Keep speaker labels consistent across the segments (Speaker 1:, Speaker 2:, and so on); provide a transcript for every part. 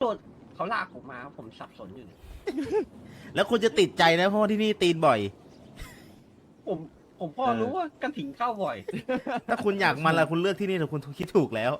Speaker 1: นเขาลากผมมาผมสับสนอยู่เนี่ย
Speaker 2: แล้วคุณจะติดใจนะเพราะว่าที่นี่ตีนบ่อย
Speaker 1: ผมผมพอรู้ว่ากระถิ่นเข้าบ่อย
Speaker 2: ถ้าคุณอยากมันละคุณเลือกที่นี่แต่คุณคิดถูกแล้ว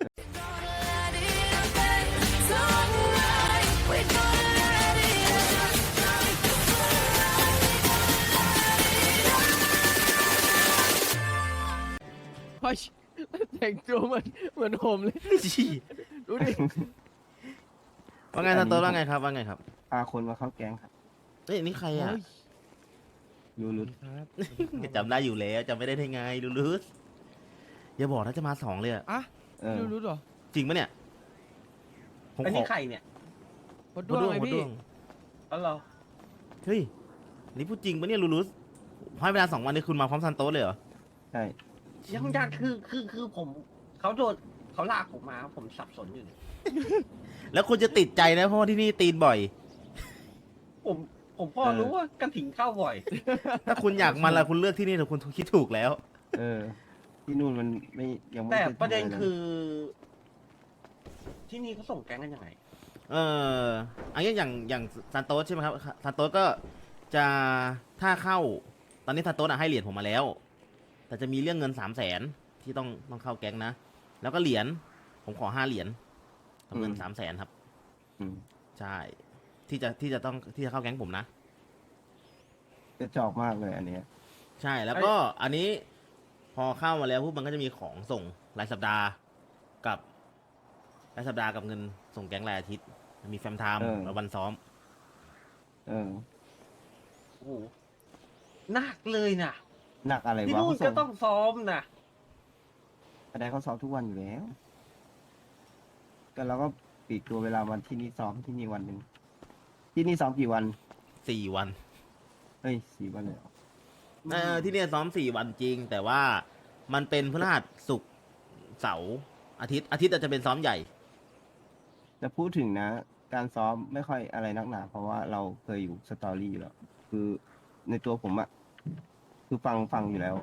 Speaker 3: พอแต่งตัวเหมือนผมเลย ดูดิ
Speaker 2: ว่าไงทันโตว่าไงครับว่าไงครับ
Speaker 4: พาคนมาเข้าแก๊งครับ
Speaker 2: เฮ้ยนี่ใครอ่ะ
Speaker 4: ยูรุต
Speaker 2: จำได้อยู่แล้วจำไม่ได้ได้ไงลูลูสอย่าบอกนะจะมา2เลยอะ
Speaker 3: อ่ะ
Speaker 4: เออ
Speaker 3: รู้เหรอ
Speaker 2: จริงปะเนี่ยผม
Speaker 1: อัน
Speaker 2: ขอ
Speaker 1: นี้ใครเนี่ย
Speaker 3: พดด้วงไง
Speaker 2: มด
Speaker 3: พี่
Speaker 2: ด้วง
Speaker 1: อ๋อเหรอ
Speaker 2: เฮ้ยนี่พูดจริงปะเนี่ยลูลูสให้เวลา2 วันนี้คุณมาพร้อมซันโตสเลยเหรอ
Speaker 4: ใช่
Speaker 1: ยังคือผมเขาโดนเขาลากผมมาผมสับสนอยู่เนี่ย
Speaker 2: แล้วคุณจะติดใจนะเพราะว่าที่นี่ตีนบ่อย
Speaker 1: ผมพอรู้ว่ากระถิ่นเข้าบ่อย
Speaker 2: ถ้าคุณอยากมันละคุณเลือกที่นี่แต่คุณคิดถูกแล้ว
Speaker 4: เออ ที่นู่นมันไม่ยังไม่
Speaker 1: แต่
Speaker 4: คยทำ
Speaker 1: ประเด็น
Speaker 4: ลย
Speaker 1: คือ ที่นี่เขาส่งแก๊งกันยังไง
Speaker 2: อันนี้อย่างซันโตสใช่ไหมครับซันโตสก็จะถ้าเข้าตอนนี้ซันโตสให้เหรียญผมมาแล้ว แต่จะมีเรื่องเงิน300,000ที่ต้องเข้าแก๊งนะ แล้วก็เหรียญผมขอ5 เหรียญกับเงิน300,000ครับ
Speaker 4: อืม
Speaker 2: ใช่ที่จะเข้าแก๊งผมนะ
Speaker 4: กระจอกมากเลยอันเนี้ย
Speaker 2: ใช่แล้วก็อันนี้พอเข้ามาแล้วปุ๊บมันก็จะมีของส่งรายสัปดาห์กับรายสัปดาห์กับเงินส่งแก๊งรายอาทิตย์มีแฟมไทม์และวันซ้อม
Speaker 4: เออ
Speaker 1: โอ้โหหนักเลยนะ
Speaker 4: หนักอะไร
Speaker 1: ที่
Speaker 4: วะ
Speaker 1: นู่น
Speaker 4: เขาส่
Speaker 1: ก็ต้องซ้อมนะ
Speaker 4: อะไรเขาซ้อมทุกวันอยู่แล้วก็เราก็ปลีกตัวเวลาวันที่นี่ซ้อมที่นี่วันหนึ่งที่นี่ซ้อมกี่วัน
Speaker 2: 4 วัน
Speaker 4: เฮ้ย4 วันเลยเหรอ
Speaker 2: ที่เนี่ยซ้อม4 วันจริง แต่ว่ามันเป็นพฤหัสศุกร์เสาร์อาทิตย์อาจจะเป็นซ้อมใหญ่
Speaker 4: แต่พูดถึงนะ การซ้อมไม่ค่อยอะไรนักหนาเพราะว่าเราเคยอยู่สตอรี่อยู่แล้วคือในตัวผมอะคือฟังอยู่แล้ว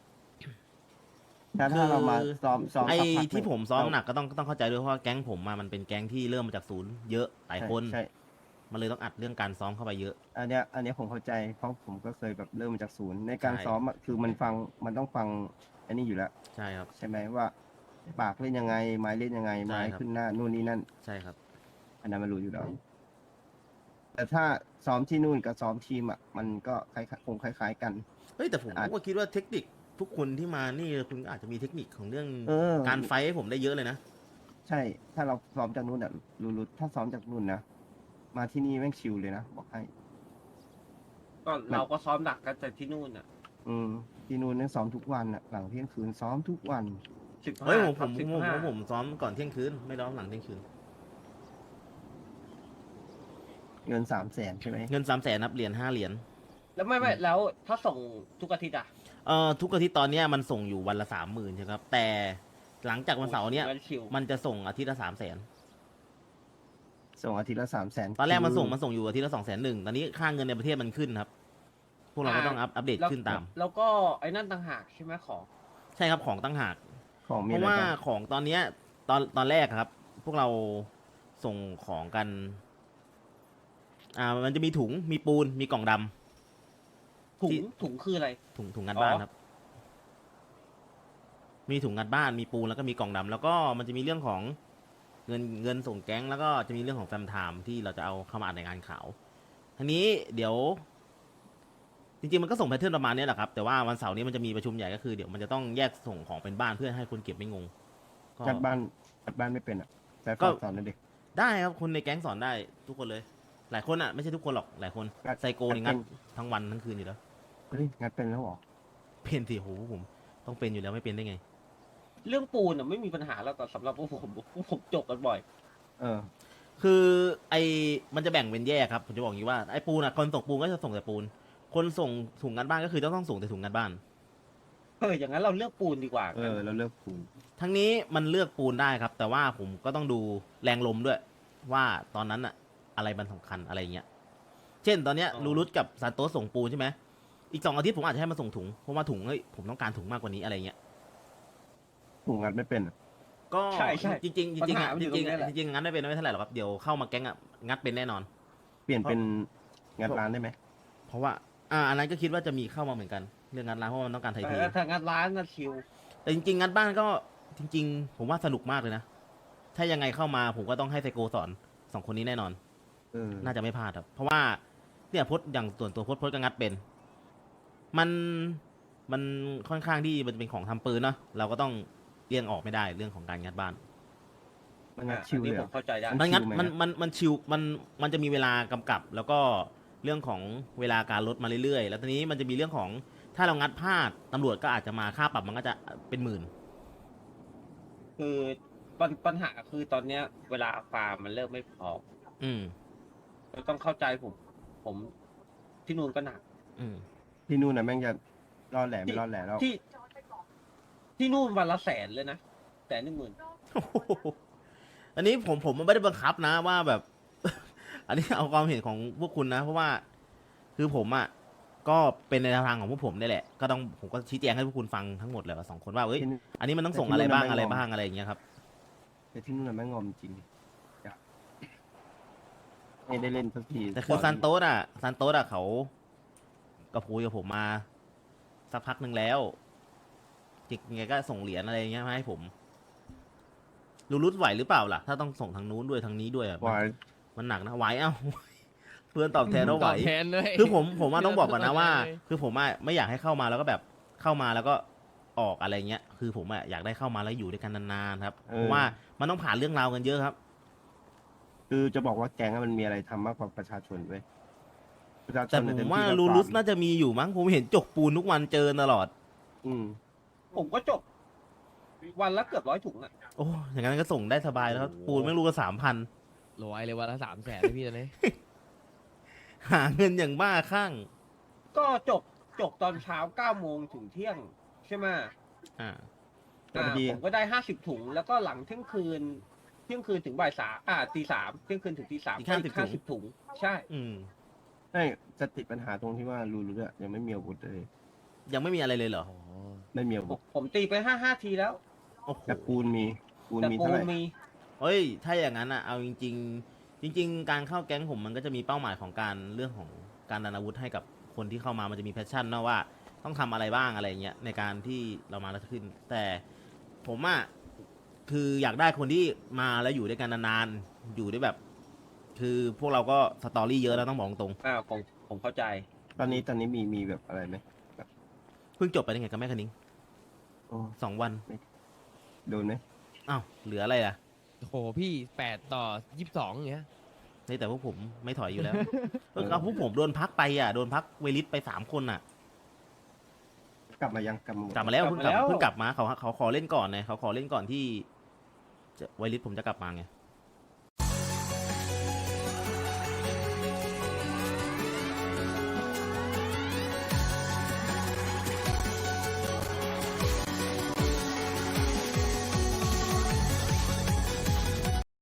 Speaker 4: ถ้าเรามาซ้อม
Speaker 2: ไอ้
Speaker 4: สักพัก
Speaker 2: ที่ผมซ้อม
Speaker 4: เรา
Speaker 2: หนักก็ต้องเข้าใจด้วยเพราะว่าแก๊งผมมันเป็นแก๊งที่เริ่มมาจากศูนย์เยอะหลายคน
Speaker 4: ใช่
Speaker 2: มันเลยต้องอัดเรื่องการซ้อมเข้าไปเยอะ
Speaker 4: อันเนี้ยผมเข้าใจเพราะผมก็เคยแบบเริ่มมาจากศูนย์ในการ
Speaker 2: ใช่
Speaker 4: ซ้อมอะคือมันต้องฟังอันนี้อยู่แล้ว
Speaker 2: ใช่ครับ
Speaker 4: ใช่ไหมว่าปากเล่นยังไง ไม้เล่นยังไง
Speaker 2: ใช่
Speaker 4: ไม้
Speaker 2: ครับ
Speaker 4: ขึ้นหน้านู่นนี่นั่น
Speaker 2: ใช่ครับ
Speaker 4: อันนั้นมันรู้อยู่แล้วแต่ถ้าซ้อมที่นู่นกับซ้อมทีมอ่ะมันก็คงคล้ายๆกัน
Speaker 2: เฮ้ยแต่ผม
Speaker 4: อาจ
Speaker 2: ก็คิดว่าเทคนิคทุกคนที่มานี่คุณก็อาจจะมีเทคนิคของเรื่อง
Speaker 4: เออ
Speaker 2: การไฟท์ให้ผมได้เยอะเลยนะ
Speaker 4: ใช่ ถ้าเราซ้อมจากนู่นอ่ะรู้ถ้าซ้อมจากนู่นนะมาที่นี่แม่งชิลเลยนะบอกให้
Speaker 1: ก็เราก็ซ้อมหนักกันแต่ที่นู่นอ่ะ
Speaker 4: ที่นู่นเนี่ยซ้อมทุกวันอ่ะหลังเที่ยงคืนซ้อมทุกวัน
Speaker 2: เฮ้ย
Speaker 1: 15
Speaker 2: ผมซ้อมก่อนเที่ยงคืนไม่ร้องหลังเที่ยงคืน
Speaker 4: เงิน300,000ใช่ไหม
Speaker 2: เงิน300,000นับเหรียญ5 เหรียญ
Speaker 1: แล้วไม่แล้วถ้าส่งทุกอาทิตย์อ่ะ
Speaker 2: ทุกอาทิตย์ตอนเนี้ยมันส่งอยู่วันละ30,000ใช่ครับแต่หลังจากวันเสาร์เนี้ย
Speaker 1: ชิว
Speaker 2: มันจะส่งอาทิตย์ละ300,000
Speaker 4: ส่งอาทิตย์ละ300,000
Speaker 2: ตอนแรกมันส่งอยู่อาทิตย์ละ201,000ตอนนี้ค่าเงินในประเทศมันขึ้นครับ พวกเราก็ต้องอัปเดต
Speaker 1: แล้ว
Speaker 2: ขึ้นตาม
Speaker 1: แล้วก็ไอ้นั่นต่างหากใช่ไหมของ
Speaker 2: ใช่ครับของตั้งหาก
Speaker 4: ของมี
Speaker 2: เพ
Speaker 4: อะไร
Speaker 2: ราะว่า
Speaker 4: บ้าง
Speaker 2: ของตอนเนี้ยตอนแรกครับ พวกเราส่งของกัน มันจะมีถุงมีปูนมีกล่องดำ
Speaker 1: ถุงคืออะไร
Speaker 2: ถุงงัดบ้านครับ มีถุงงัดบ้านมีปูนแล้วก็มีกล่องดำแล้วก็มันจะมีเรื่องของเงินส่งแก๊งแล้วก็จะมีเรื่องของแฟมไทม์ที่เราจะเอาเข้ามาอ่านในงานข่าวทีนี้เดี๋ยว จริงๆมันก็ส่งแพทเทิร์นประมาณนี้แหละครับแต่ว่าวันเสาร์นี้มันจะมีประชุมใหญ่ก็คือเดี๋ยวมันจะต้องแยกส่งของเป็นบ้านเพื่อให้คนเก็บไม่งงก็
Speaker 4: จัดบ้านไม่เป็นอ่ะแต่
Speaker 2: ก็
Speaker 4: สอนหนั่นเด็ก
Speaker 2: ได้ครับคนในแก๊งสอนได้ทุกคนเลย หลายคนอ่ะไม่ใช่ทุกคนหรอกหลายคน
Speaker 4: งัด
Speaker 2: ไซโกนี่งัดทั้งวันทั้งคืนอยู่แล้ว
Speaker 4: เฮ้ยงัดเป็นแล้วเหรอ
Speaker 2: เป็นสิโหผมต้องเป็นอยู่แล้วไม่เป็นได้ไง
Speaker 1: เรื่องปูนอ่ะไม่มีปัญหาแล้วแต่สำหรับพวกผมจบกันบ่อย
Speaker 4: เออ
Speaker 2: คือมันจะแบ่งเป็นแยกครับผมจะบอกอย่างนี้ว่าไอ้ปูนอ่ะคนส่งปูนก็จะส่งแต่ปูน คนส่งถุงงัดบ้านก็คือต้องส่งแต่ถุงงัดบ้าน
Speaker 1: อย่างนั้นเราเลือกปูนดีกว่า
Speaker 4: เราเลือกคูณ
Speaker 2: ทั้งนี้มันเลือกปูนได้ครับ แต่ว่าผมก็ต้องดูแรงลมด้วย ว่าตอนนั้นอะอะไรมันสำคัญอะไรเงี้ยเช่นตอนเนี้ยลูรุตกับซานโตสส่งปูนใช่ไหมอีก2 อาทิตย์ผมอาจจะให้มาส่งถุงเพราะว่าถุงเฮ้ยผมต้องการถุงมากกว่านี้อะไรเงี้ย
Speaker 4: ผูกงัดไม่เป็นอะ
Speaker 2: ก็
Speaker 1: ใช่ใช่
Speaker 2: จริงๆจริงๆ
Speaker 1: ปัญหา
Speaker 2: อะ
Speaker 1: มัน
Speaker 2: จ
Speaker 1: อยู่ตร
Speaker 2: ริง
Speaker 1: ง
Speaker 2: ๆ
Speaker 1: นี้
Speaker 2: อะ
Speaker 1: แหละ
Speaker 2: จริงๆงั้นไม่เป็นไม่เท่าไหร่หรอกครับเดี๋ยวเข้ามาแก๊งอะงัดเป็นแน่นอน
Speaker 4: เปลี่ยนเป็นงัดร้านได้ไหม
Speaker 2: เพราะว่าอันนั้นก็คิดว่าจะมีเข้ามาเหมือนกันเรื่องงัดร้านเพราะว่ามันต้องการไทยเท
Speaker 1: แต่ถ้างานร้านนะชิว
Speaker 2: แต่จริงๆงัดบ้านก็จริง ๆ ผมว่าสนุกมากเลยนะ ถ้ายังไงเข้ามาผมก็ต้องให้ไซโกสอนสองคนนี้แน่นอน น่าจะไม่พลาดครับ เพราะว่าเนี่ยพดอย่างส่วนตัวพดก็งัดเป็น มันค่อนข้างที่มันจะเป็นของทำปืนเนาะเราก็ต้องเลี่ยงออกไม่ได้เรื่องของการงัดบ้าน
Speaker 4: มันงัดชิว
Speaker 1: อัน
Speaker 4: เล
Speaker 1: นี้
Speaker 4: ยเห
Speaker 1: ผ
Speaker 4: รอ
Speaker 1: มเข้าใจได้
Speaker 2: มันงัด
Speaker 4: ชิลไหม
Speaker 2: มันชิวมันจะมีเวลากำกับ แล้วก็เรื่องของเวลาการลดมาเรื่อยๆ แล้วทีนี้มันจะมีเรื่องของถ้าเรางัดพลาดตำรวจก็อาจจะมาค่าปรับมันก็จะเป็นหมื่น
Speaker 1: คือปัญหาคือตอนเนี้ย เวลาฟาร์มมันเริ่มไม่พอ
Speaker 2: อืม
Speaker 1: เราต้องเข้าใจผมที่นู่นก็หนัก
Speaker 2: อืม
Speaker 4: ที่นู่นนะแม่งจะรอดแหล่ไม่รอดแหล่แล้ว
Speaker 1: ที่นู่นวันละ100,000เลยนะ110,000
Speaker 2: อันนี้ผมไม่ได้บังคับนะว่าแบบ อันนี้เอาความเห็นของพวกคุณนะ เพราะว่าคือผมอ่ะก็เป็นในทางของพวกผมนี่แหละก็ต้องผมก็ชี้แจงให้พวกคุณฟังทั้งหมดเลยว่าสองคนว่าเอ้ย
Speaker 4: ที่นู่น
Speaker 2: อันนี้มันต้องส่ง
Speaker 4: แต่ที่
Speaker 2: อะไรบ้าง
Speaker 4: นู่น
Speaker 2: อะไร
Speaker 4: ไม่งอม
Speaker 2: บ้างอะไรอย่างเงี้ยครับ
Speaker 4: แต่ที่นู่นนะแม่งงอมจริงไม่ได้เล่นสักที
Speaker 2: แต่คือซันโตสอ่ะเขากับคุยกับผมมาสักพักหนึ่งแล้วจิกไงก็ส่งเหรียญอะไรอย่างเงี้ยมาให้ผมรู้รุดไหวหรือเปล่าล่ะ ถ้าต้องส่งทางนู้นด้วยทางนี้ด้วยอะ
Speaker 4: วาย
Speaker 2: มันหนักนะไหวเอ้า เพื่อนตอบแทนว่าไหว
Speaker 3: ตอบแทนด้วย
Speaker 2: คือผมว่าต้องบอกก่อนนะว่า
Speaker 3: เลย
Speaker 2: คือผมอะไม่อยากให้เข้ามาแล้วก็แบบเข้ามาแล้วก็ออกอะไรเงี้ย คือผมอะอยากได้เข้ามาแล้วอยู่ด้วยกันนานๆครับเพราะว่ามันต้องผ่านเรื่องราวกันเยอะครับ
Speaker 4: คือจะบอกว่าแก๊งอะมันมีอะไรทำมากกว่าประชาชนเว้ยประชาช
Speaker 2: แต่
Speaker 4: น
Speaker 2: ผ
Speaker 4: เนี่ยเต็
Speaker 2: ม
Speaker 4: ม
Speaker 2: ว่า
Speaker 4: ที่ก็
Speaker 2: ลูรุส
Speaker 4: ฟาร์ม
Speaker 2: น่าจะมีอยู่มั้งผมเห็นจกปูนทุกวันเจอตลอด
Speaker 4: อืม
Speaker 1: ผมก็จบ วันละเกือบ100 ถุงอ่ะ
Speaker 2: โอ้อย่างนั้นก็ส่งได้สบายแล้วครับ
Speaker 3: โอ้โห
Speaker 2: ปูนไม่รู้ก็3,000
Speaker 3: รวยเลยวันละ300,000เลยพี่ตอนนี้
Speaker 2: หาเงินอย่างบ้าคลั่ง
Speaker 1: ก็จบตอนเช้า9 โมงถึงเที่ยงใช่ไหม
Speaker 2: อ่า
Speaker 4: แต่พอดี
Speaker 1: ผมก็ได้50 ถุง แล้วก็หลังเที่ยงคืนถึงบ่าย3ตี 3เที่ยงคืนถึงตี 3
Speaker 2: อีก
Speaker 1: ก็อีก
Speaker 2: 50
Speaker 1: 50 ถุง ใช่
Speaker 2: อืม
Speaker 4: ใช่จะติดปัญหาตรงที่ว่าลูรุสอะยังไม่มีอาวุธเลย
Speaker 2: ยังไม่มีอะไรเลยเหรอ
Speaker 3: อ๋อ
Speaker 4: ไม่มีอา
Speaker 1: ผ
Speaker 4: วุ
Speaker 1: ม
Speaker 4: ธ
Speaker 1: ผมตีไป5 ทีแล้ว
Speaker 2: โอ้โห
Speaker 4: แต่ปูนมีปูน
Speaker 1: แต่
Speaker 4: มี
Speaker 1: ปู
Speaker 4: เท่าไห
Speaker 1: น
Speaker 4: ร่
Speaker 1: มี
Speaker 2: เฮ้ย ถ้าอย่างนั้นอ่ะ เอาจริง ๆ จริง ๆ การเข้าแก๊งผมมันก็จะมีเป้าหมายของการเรื่องของการดันอาวุธให้กับคนที่เข้ามามันจะมีแพชชั่นนะว่าต้องทำอะไรบ้างอะไรเงี้ยในการที่เรามาแล้วขึ้น แต่ผมอ่ะคืออยากได้คนที่มาแล้วอยู่ด้วยกันนานๆอยู่ด้วยแบบ คือพวกเราก็สตอรี่เยอะแล้วต้องบอกตรง
Speaker 1: ผมเข้าใจ
Speaker 4: ตอนนี้มีแบบอะไรไหม
Speaker 2: เพิ่งจบไปได้ไงกับแม่คณิง
Speaker 4: โอ้
Speaker 2: 2 วัน
Speaker 4: โดนไหม
Speaker 2: อ้าวเหลืออะไรอ่ะ
Speaker 3: โหพี่8-22อย่างเงี้ย
Speaker 2: นี่แต่พวกผมไม่ถอยอยู่แล้ว เอาพวกผมโดนพักไปอ่ะโดนพักเวลิสไป3 คนอ่ะ
Speaker 4: กลับมายังกลับมาหมด
Speaker 2: กลับมาแล้ว
Speaker 1: กลับมาแล้ว
Speaker 2: เพิ่งกลับมาเขาขอเล่นก่อนไงเขาขอเล่นก่อนที่จะไวลิสผมจะกลับมาไง